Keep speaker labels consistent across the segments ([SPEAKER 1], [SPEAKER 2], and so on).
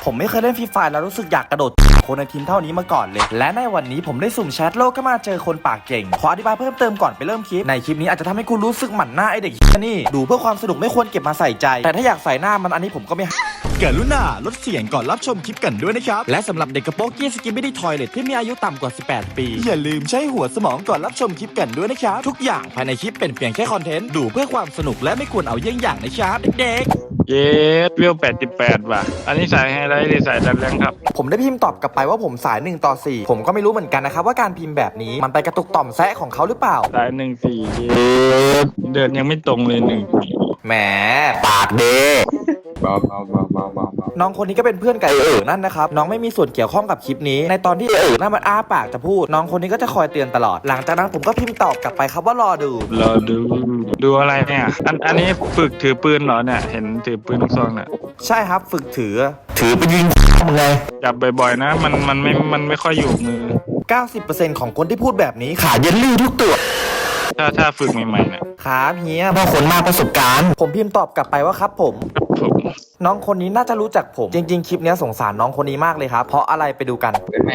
[SPEAKER 1] ผมไม่เคยเล่นฟรีไฟแล้วรู้สึกอยากกระโดดคนในทีมเท่านี้มาก่อนเลยและในวันนี้ผมได้สุ่มแชทโลกก็มาเจอคนปากเก่งขออธิบายเพิ่มเติมก่อนไปเริ่มคลิปในคลิปนี้อาจจะทำให้คุณรู้สึกหมั่นหน้าไอเด็กนี่ดูเพื่อความสนุกไม่ควรเก็บมาใส่ใจแต่ถ้าอยากใส่หน้ามันอันนี้ผมก็ไม่กรุณาลดเสียงก่อนรับชมคลิปกันด้วยนะครับและสำหรับเด็กกระโปรงกี้สกิปไม่ได้ทอยเลทที่มีอายุต่ำกว่า18ปีอย่าลืมใช้หัวสมองก่อนรับชมคลิปกันด้วยนะครับทุกอย่างภายในคลิปเป็นเพียงแค่คอนเทนต์ดูเพื่อความสนุกและไม่ควรเอาเยี่ยงอย่างนะครับเด็ก
[SPEAKER 2] เยสเวล88ว่ะอันนี้สายไฮไลท์หรือสายดันแรงครับ
[SPEAKER 1] ผมได้พิมพ์ตอบกลับไปว่าผมสาย1 ต่อ 4ผมก็ไม่รู้เหมือนกันนะครับว่าการพิมพ์แบบนี้มันไปกระตุกต่อมแซะของเขาหรือเปล่า
[SPEAKER 2] สาย14เยสเดินยังไม่ตรงเลย
[SPEAKER 1] แหมปากเดน้องคนนี้ก็เป็นเพื่อนกับนั่นนะครับน้องไม่มีส่วนเกี่ยวข้องกับคลิปนี้ในตอนที่นั่นมันอ้าปากจะพูดน้องคนนี้ก็จะคอยเตือนตลอดหลังจากนั้นผมก็พิมพ์ตอบกลับไปครับว่ารอ
[SPEAKER 2] ดูอะไรเนี่ยอันนี้ฝึกถือปืนเหรอเนี่ยเห็นถือปืนลูกซองเนี่ย
[SPEAKER 1] ใช่ครับฝึกถือไปยิงมึงไง
[SPEAKER 2] จับบ่อยๆนะมันไม่ค่อยอยู่มือ
[SPEAKER 1] 90% ของคนที่พูดแบบนี้ขาเย็นลื่นทุกตัว
[SPEAKER 2] ถ้าฝึกใหม่ๆเนี่ย
[SPEAKER 1] ขาเฮียบางคนมากประสบการณ์ผมพิมพ์ตอบกลับไปว่าครับผมน้องคนนี้น่าจะรู้จักผมจริงๆคลิปนี้สงสารน้องคนนี้มากเลยครับเพราะอะไรไปดูกัน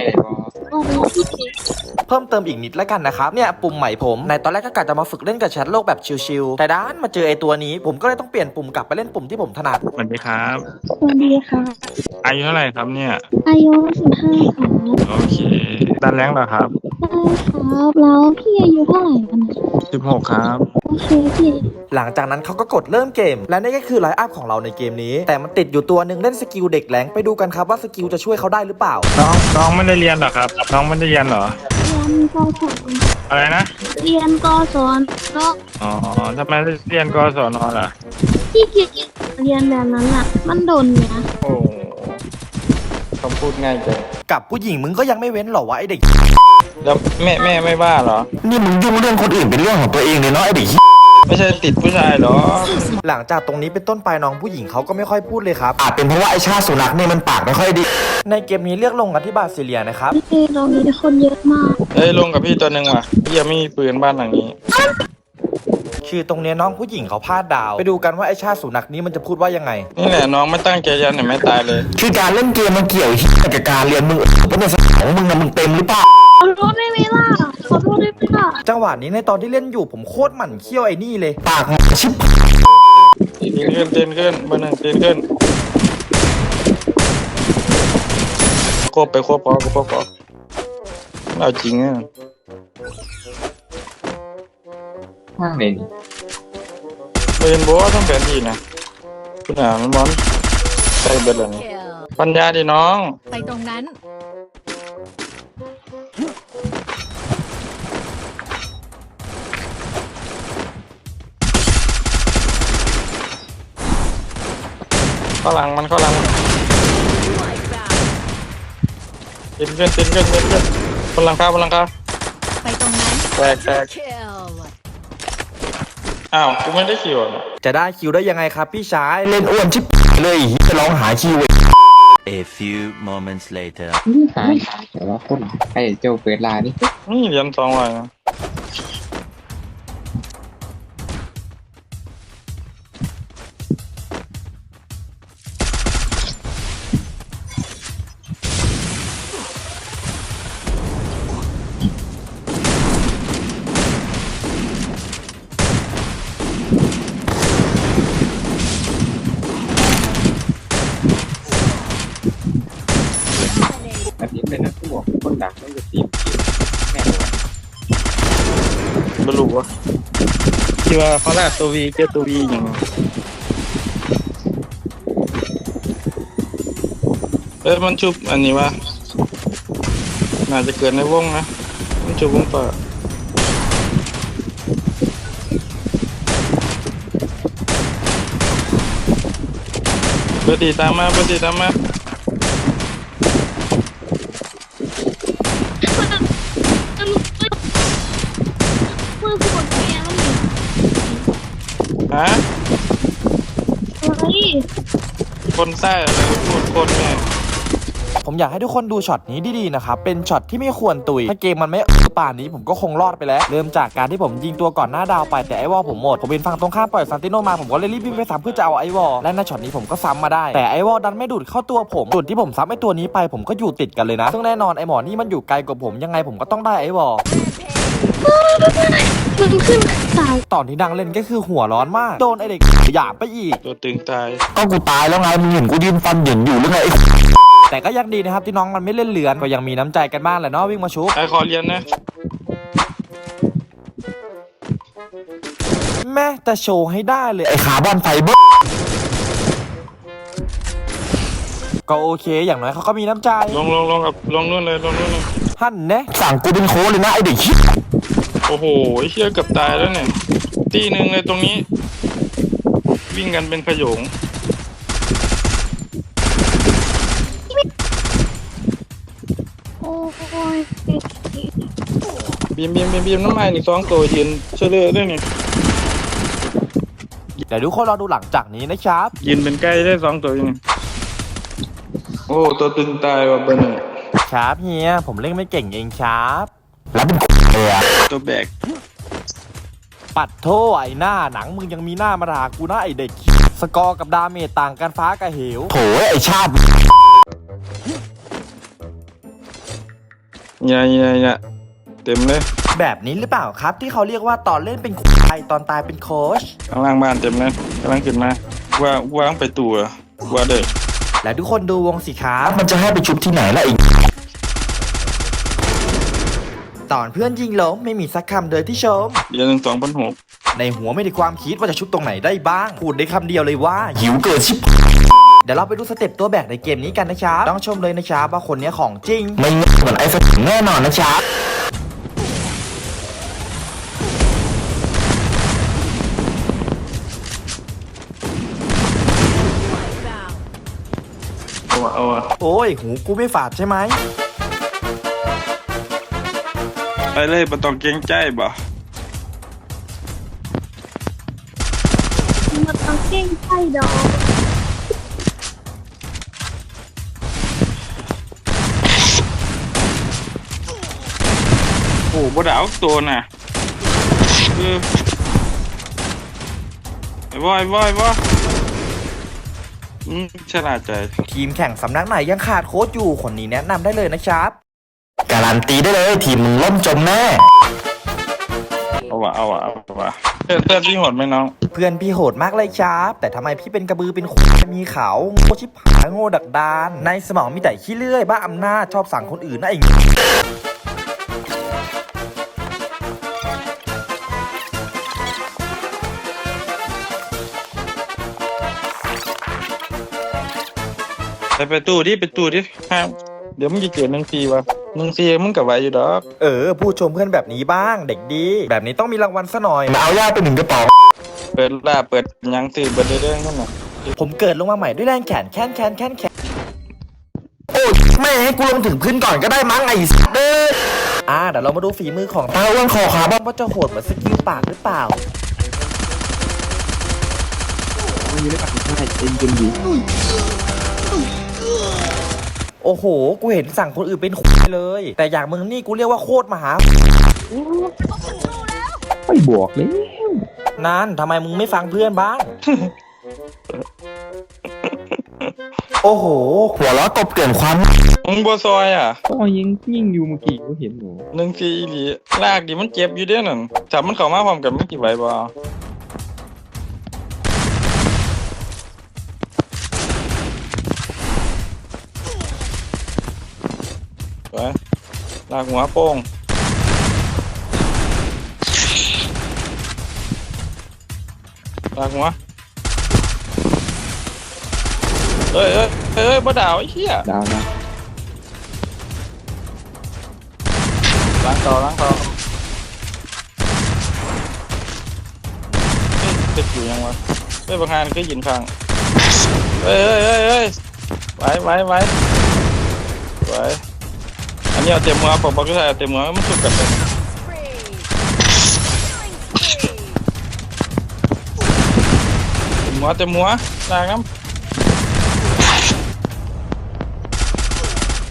[SPEAKER 1] เพิ่มเติมอีกนิดแล้วกันนะครับเนี่ยปุ่มใหม่ผมในตอนแรกก็กะจะมาฝึกเล่นกับแชทโลกแบบชิลๆแต่ด้านมาเจอไอตัวนี้ผมก็เลยต้องเปลี่ยนปุ่มกลับไปเล่นปุ่มที่ผมถนัด
[SPEAKER 2] สวัสดีครับ
[SPEAKER 3] สวัสดีค่ะ
[SPEAKER 2] อายุเท่าไหร่ครับเนี่ย
[SPEAKER 3] อายุ15ค่ะ
[SPEAKER 2] โอเคดันแรงเหรอครับ
[SPEAKER 3] ใช่ครับแล้วพี่อายุเท่าไหร่กัน
[SPEAKER 2] 16ครับ
[SPEAKER 3] โอเคพี่
[SPEAKER 1] หลังจากนั้นเขาก็กดเริ่มเกมและนี่ก็คือไลน์อัพของเราในเกมนี้แต่มันติดอยู่ตัวหนึ่งเล่นสกิลเด็กแหลงไปดูกันครับว่าสกิลจะช่วยเขาได้หรือเปล่า
[SPEAKER 2] น้องไม่ได้เรียนหรอครับน้องไม่ได้เรียนหรอ
[SPEAKER 3] เรียนกศน
[SPEAKER 2] อะไรนะ
[SPEAKER 3] เรียนกศน
[SPEAKER 2] อ๋อทำไมเรียนกศนล่ะ
[SPEAKER 3] พี่เกียรเรียนแบบนั้นอ่ะมันโดนเนี่ย
[SPEAKER 2] โอ้คำพูดง่ายจัง
[SPEAKER 1] กับผู้หญิงมึงก็ยังไม่เว้นหรอวะไอเด็ก
[SPEAKER 2] แล้วแม่ไม่บ้าเหรอ
[SPEAKER 1] นี่มึงยุ่งเรื่องคนอื่นเป็นเรื่องของตัวเองเลยเนาะไอเด็ก
[SPEAKER 2] ไม่ใช่ติดผู้ชายหรอ
[SPEAKER 1] หลังจากตรงนี้เป็นต้นไปน้องผู้หญิงเขาก็ไม่ค่อยพูดเลยครับอาจเป็นเพราะว่าไอชาสุนัขเนี่ยมันปากไม่ค่อยดีในเกมนี้เลือกลงกันที่บาซิเลียนะครับ
[SPEAKER 3] เรามีคนเยอะมาก
[SPEAKER 2] ลงกับพี่ตัวหนึ่งว่ะพี่ยังไม่มีปืนบ้านหลังนี้
[SPEAKER 1] คือตรงนี้น้องผู้หญิงเขาพลาดดาวไปดูกันว่าไอชาสุนัขนี้มันจะพูดว่ายังไง
[SPEAKER 2] นี่แหละน้องไม่ตั้งใจยันเห็นไหมตายเลย
[SPEAKER 1] คือการเล่นเกมมันเกี่ยวกับการเรียนมึงก็เป็นสมองมึงนะมึงเต็มหรือเปล่า
[SPEAKER 3] ขอโทษได้ไหมล่ะขอโทษได้ไหมล่ะ
[SPEAKER 1] จังหวะนี้ในตอนที่เล่นอยู่ผมโคตรหมั่นเคี้ยวไอ้นี่เลยปากชิบ
[SPEAKER 2] เต้นขึ้นเบอร์หนึ่งเต้นขึ้นโคบไปโคบพอเอาจริงอ่ะ
[SPEAKER 4] มากเลย
[SPEAKER 2] เป็นบัวต้องแผนที่นะคุณอ่ะมันร้อนใส่เบิร์ดเลยปัญญาดิน้อง
[SPEAKER 5] ไปตรงนั้น
[SPEAKER 2] ข้าหลังมันเต้นขึ้นบนหลังคา
[SPEAKER 5] ไปตรงนั้น
[SPEAKER 2] แตกอ้าวกูไม่ได้คิว
[SPEAKER 1] จะได้คิวได้ยังไงครับพี่ชายเล่นอ้วนชิบเลยจะร้องหาคิว
[SPEAKER 6] A few moments later
[SPEAKER 4] หาแต่ว่าคนไอ้เจ้าเปิดลานี่
[SPEAKER 2] เหรียญ200นะ
[SPEAKER 4] อันนี้เป็นนักสู้คนดังต้องจะตีมแน่นอน
[SPEAKER 2] ไม่รู้ว่าที่ว่าเขาแรกตัววีเจอตัววีอย่างมันชุบอันนี้ว่าน่าจะเกิดในวงนะมันชุบวงเปิดเบอร์ดีตามมาฮะคนใต้อะไรพูดคนเนี่ย
[SPEAKER 1] ผผมอยากให้ทุกคนดูช็อตนี้ดีๆนะครับเป็นช็อตที่ไม่ควรตุยถ้าเกมมันไม่ป่านนี้ผมก็คงรอดไปแล้วเริ่มจากการที่ผมยิงตัวก่อนหน้าดาวไปแต่ไอวอลผมหมดผมเป็นฝั่งตรงข้ามปล่อยซานติโนมาผมก็เลยรีบวิ่งไปซ้ำเพื่อจะเอาไอวอลและในช็อตนี้ผมก็ซ้ำมาได้แต่ไอวอลดันไม่ดูดเข้าตัวผมจุดที่ผมซ้ำไอตัวนี้ไปผมก็อยู่ติดกันเลยนะซึ่งแน่นอนไอหมอนี่มันอยู่ไกลกว่าผมยังไงผมก็ต้องได้ไอวอล
[SPEAKER 3] มันขึ้นสาย
[SPEAKER 1] ตอนที่ดังเล่นก็คือหัวร้อนมากโดนไอเด็กหยามไปอีก
[SPEAKER 2] ตัวตึงตาย
[SPEAKER 1] ก็กูตายแล้วไงมึงเห็นกูยืนฟันเหยินอยู่หรือไงแต่ก็ยังดีนะครับที่น้องมันไม่เล่นเลือนก็ยังมีน้ำใจกันบ้างแหละเนาะวิ่งมาชุบ
[SPEAKER 2] ไอ้ขอเรียนนะ
[SPEAKER 1] แม่แต่โชว์ให้ได้เลยไอขาบอลไฟเบอร์ก็โอเคอย่างน้อยเขาก็มีน้ำใจ
[SPEAKER 2] ลงกับลงนู่นเลยลงนู่นเลย
[SPEAKER 1] ฮั่นแนะสั่งกูเป็นโค้ชเลยนะไอเด็กชิบ
[SPEAKER 2] โอ้โหไอ้เชี่ยเกือบตายแล้วเนี่ยตีหนึ่งเลยตรงนี้ วิ่งกันเป็นขโยง
[SPEAKER 3] โอ้ย
[SPEAKER 2] บีมน้ำมันอีก2 ตัวยืนเชื่อเลยด้วยนี่
[SPEAKER 1] เดี๋ยวทุกคนรอดูหลังจากนี้นะครับ
[SPEAKER 2] ยืนเป็นใกล้ได้2 ตัวอยู่นี่โอ้ตัวตึงตายว่ะเบอร์หนึ่ง
[SPEAKER 1] ครับเฮียผมเล่นไม่เก่งเองครับแล้วเป็นเลยอะ
[SPEAKER 2] ตัวแบก
[SPEAKER 1] ปัดโทไอหน้าหนังมึงยังมีหน้ามาด่ากูนะไอเด็กสกอร์กับดาเมจต่างกันฟ้ากับเหวโถไอชาติ
[SPEAKER 2] เนี่ยเต็มเลย
[SPEAKER 1] แบบนี้หรือเปล่าครับที่เขาเรียกว่าตอนเล่นเป็นควายตอนตายเป็นโค้ช
[SPEAKER 2] ข้างล่างบ้านเต็มเลยกำลังขึ้นมาว่างไปตัวว่าเด้อ
[SPEAKER 1] และทุกคนดูวงสิครับมันจะให้ไปชุบที่ไหนล่ะอีกตอนเพื่อนยิงล้มไม่มีสักคำเลยที่ชม
[SPEAKER 2] เดือน2,600
[SPEAKER 1] ในหัวไม่ได้ความคิดว่าจะชุบตรงไหนได้บ้างพูดได้คำเดียวเลยว่าหิวเกินชิบเดี๋ยวเราไปดูสเต็ปตัวแบกในเกมนี้กันนะครับต้องชมเลยนะครับว่าคนนี้ของจริงไม่เหมือนไอ้สแน่นอนนะครับ
[SPEAKER 2] เอาอะ
[SPEAKER 1] โอ้ยหูกูไม่ฝาดใช่ไหม
[SPEAKER 2] ไปเลยบ่ต้องเกรงใจบ่
[SPEAKER 3] มันต้องเก่งไส้ดอก
[SPEAKER 2] โอ้บ่ดาวตัวน่ะไอ้บอยฉลาดใจ
[SPEAKER 1] ทีมแข่งสำนักไหนยังขาดโค้ชอยู่คนนี้แนะนำได้เลยนะครับการันตีได้เลยทีมมึงล่มจมแน่
[SPEAKER 2] เอาวะเตือนพี่หดไหมน้อง
[SPEAKER 1] เพื่อนพี่โหดมากเลยครับแต่ทำไมพี่เป็นกระบือเป็นควายมีเขาโง่ชิบหายโง่ดักดานในสมองมีแต่ขี้เลื่อยบ้าอำนาจชอบสั่งคนอื่นนะไอ้
[SPEAKER 2] ไปตู้ดิห้ามเดี๋ยวมึงจะเกิด1 4 ว่ะ1 4มึงกับไหวอยู่ดอก
[SPEAKER 1] พูดชมเพื่อนแบบนี้บ้างเด็กดีแบบนี้ต้องมีรางวัลซะหน่อยมาเอาย่าไป1 กระป๋อง
[SPEAKER 2] เปิดยังตื่นเบิดเรื่องนั่นน่ะ
[SPEAKER 1] ผมเกิดลงมาใหม่ด้วยแรงแขนแค้นโอ้ยแม่ให้กูลงถึงพื้นก่อนก็ได้มั้งไอ้สัสเด้อเดี๋ยวเรามาดูฝีมือของตาอ้วนคอขาบอมว่าจะโหดเหมือนสกิลปากหรือเปล่า
[SPEAKER 4] ไม่ได้ปักใช่เอ็นจนดี
[SPEAKER 1] โอ้โหกูเห็นสั่งคนอื่นเป็นควายเลยแต่อย่างมึงนี่กูเรียกว่าโคตรมหา
[SPEAKER 4] ไม่บวกเลย
[SPEAKER 1] นั่นทำไมมึงไม่ฟังเพื่อนบ้าง โอ้โหหัวล้อตบเกินความ
[SPEAKER 2] มึงบ่ซอยอ่ะ
[SPEAKER 4] ก็ยิงอยู่เมื่อกี้ก็เห็นหนู
[SPEAKER 2] 1 4อีหลีลากดิมันเจ็บอยู่เด้อนั่นถ้ามันเข้ามาพร้อมกันมันสิไหวบ่ไปลากหัวโป้งลากหัวเอ้ยบ่ดาวไอ้เหี้ย
[SPEAKER 4] ดาวนะ
[SPEAKER 2] ล้างต่อติดอยู่ยังวะบางงานก็ยินฟังเฮ้ยไว้อันนี้เอาเต็มมือผมบอกก็ใช่เต็มมือมันสุกกันเลยเต็มหัวล้างน้ำ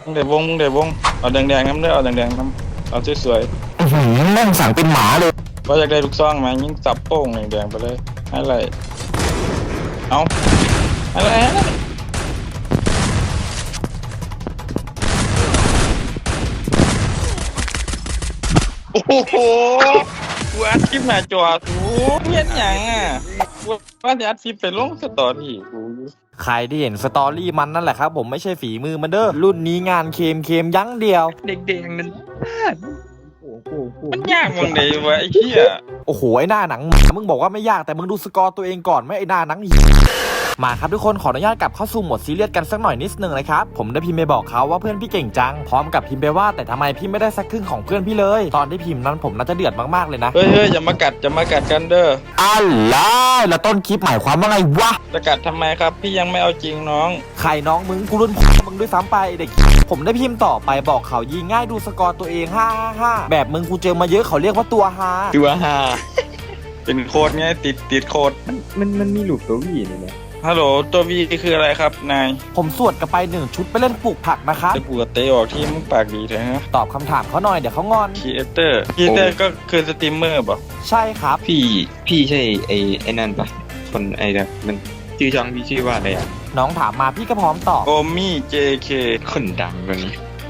[SPEAKER 2] มึงเดี๋ยววงเอาแดงๆน้ำเด้อเอาแดงๆน้ำเอาสวย
[SPEAKER 1] แม่งสั่งเป็นหมาเลย
[SPEAKER 2] ๆว่าอยากได้ลูกซองไหมยิงจับโป้งแดงๆไปเลยให้ไรเอาอะไรโอ้โหกูอัดคลิปหน้าจอกูเห็นหยังอ่ะกูว่าจะอัดคลิปไปลงสตอรี่กู
[SPEAKER 1] ใครที่เห็นสตอรี่มันนั่นแหละครับผมไม่ใช่ฝีมือมันเด้อรุ่นนี้งานเคมยั้งเดียว
[SPEAKER 2] เด็กๆนั่นมันยากมึงเลยวะไอ้เหี้ย
[SPEAKER 1] โอ้โหไอ้หน้าหนังมึงบอกว่าไม่ยากแต่มึงดูสกอร์ตัวเองก่อนไหมไอ้หน้าหนังมาครับทุกคนขออนุญาตกลับเข้าสู่โหมดซีเรียสกันสักหน่อยนิดนึงนะครับผมได้พิมพ์ไปบอกเขาว่าเพื่อนพี่เก่งจังพร้อมกับพิมพ์ไปว่าแต่ทำไมพี่ไม่ได้สักครึ่งของเพื่อนพี่เลยตอนที่พิมพ์นั้นผมน่าจะเดือดมากๆเลยนะ
[SPEAKER 2] เฮ้ยอย่ามากัดกันเด้อ
[SPEAKER 1] อะไรแล้วต้นคลิปหมายความว่าไงวะ
[SPEAKER 2] จะกัดทำไมครับพี่ยังไม่เอาจริงน้อง
[SPEAKER 1] ใครน้องมึงกูรุ่นมึงด้วยซ้ำไปเด็กผมได้พิมพ์ต่อไปบอกเขายิงง่ายดูสกอร์ตัวเอง555แบบมึงกูเจอมาเยอะเขาเรียกว่าตัวฮา
[SPEAKER 2] ตัวฮาเป็นโค้ดไงติดโค้ด
[SPEAKER 4] มันมีลูกตัววีนี่แหละ
[SPEAKER 2] ฮัลโหลตัววีคืออะไรครับนาย
[SPEAKER 1] ผมสวดกลับไป1ชุดไปเล่นปลูกผักนะครับ
[SPEAKER 2] จะปวดเตะออกที่มึงปากดีเลยฮะ
[SPEAKER 1] ตอบคำถามเขาหน่อยเดี๋ยวเขางอน
[SPEAKER 2] ครีเอเตอร์ก็คือสตรีมเมอร์ป่ะ
[SPEAKER 1] ใช่ครับ
[SPEAKER 4] พี่ใช่ไอ้นั่นปะคนไอ้แบบมันชื่อช่องพี่ชื่อว่าอะไรอ่ะ
[SPEAKER 1] น้องถามมาพี่ก็พร้อมตอบ
[SPEAKER 2] โอมี่ JK
[SPEAKER 4] คนดังคนนี้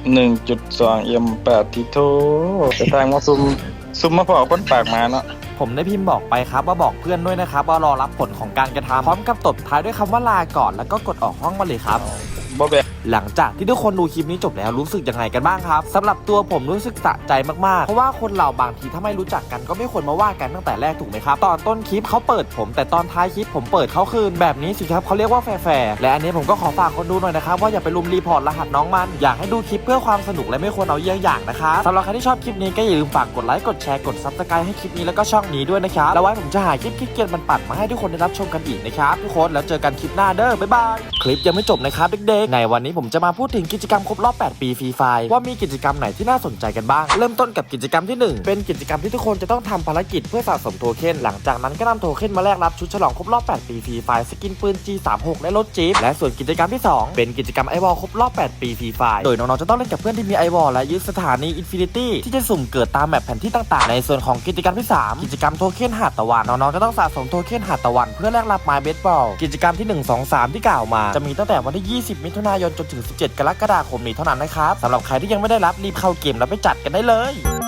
[SPEAKER 2] 1.2 M8 ทิโทจะทางมาซุ่มมาพอคนปากมาเนาะ
[SPEAKER 1] ผมได้พิมพ์บอกไปครับว่าบอกเพื่อนด้วยนะครับว่ารอรับผลของการกระทำพร้อมกับตบท้ายด้วยคำว่าลาก่อนแล้วก็กดออกห้องมาเลยครับ
[SPEAKER 2] บ่แบก
[SPEAKER 1] หลังจากที่ทุกคนดูคลิปนี้จบแล้วรู้สึกยังไงกันบ้างครับสำหรับตัวผมรู้สึกสะใจมากๆเพราะว่าคนเราบางทีถ้าไม่รู้จักกันก็ไม่ควรมาว่ากันตั้งแต่แรกถูกไหมครับตอนต้นคลิปเขาเปิดผมแต่ตอนท้ายคลิปผมเปิดเขาคืนแบบนี้สิครับเขาเรียกว่าแฟร์และอันนี้ผมก็ขอฝากคนดูหน่อยนะครับว่าอย่าไปลุมรีพอร์ตรหัสน้องมันอยากให้ดูคลิปเพื่อความสนุกและไม่ควรเอาเยี่ยงอย่างนะครับสำหรับใครที่ชอบคลิปนี้ก็อย่าลืมฝากกดไลค์กดแชร์กด Subscribe ให้คลิปนี้แล้วก็ช่องนี้ด้วยนะครับแล้วไว้ผมจะหาคลิปเกรียนๆปัดๆมาให้ทุกคนได้รับชมกันอีกนะครับทุกคนแล้วเจอกันคลิปหน้าเด้อบ๊ายบายคลิปยังไม่จบนะครับเด็กๆในวันนี้ผมจะมาพูดถึงกิจกรรมครบรอบ 8 ปีฟรีไฟล์ว่ามีกิจกรรมไหนที่น่าสนใจกันบ้างเริ่มต้นกับกิจกรรมที่ 1 เป็นกิจกรรมที่ทุกคนจะต้องทำภารกิจเพื่อสะสมโทเค็นหลังจากนั้นก็นำโทเค็นมาแลกรับชุดฉลองครบรอบ 8 ปีฟรีไฟล์สกินปืน G36 และรถจี๊ปและส่วนกิจกรรมที่ 2 เป็นกิจกรรมไอวอลครบรอบ 8 ปีฟรีไฟล์โดยน้องๆจะต้องเล่นกับเพื่อนที่มีไอวอลและยึดสถานีอินฟินิตี้ที่จะสุ่มเกิดตามแมปแผนที่ต่างๆในส่วนของกิจกรรมที่ 3 กิจกรรมโทเค็นหาดตะวันน้องๆจะต้องสะสมโทเค็นหาดตะวันเพื่อแลกรับไม้เบสบอลกิจกรรมที่ 1 2 3 ที่กล่าวมาจะมีตั้งแต่วันที่ 20 มิถุนายนจนถึง 17 กรกฎาคมนี้เท่านั้นนะครับสำหรับใครที่ยังไม่ได้รับรีบเข้าเกมแล้วไปจัดกันได้เลย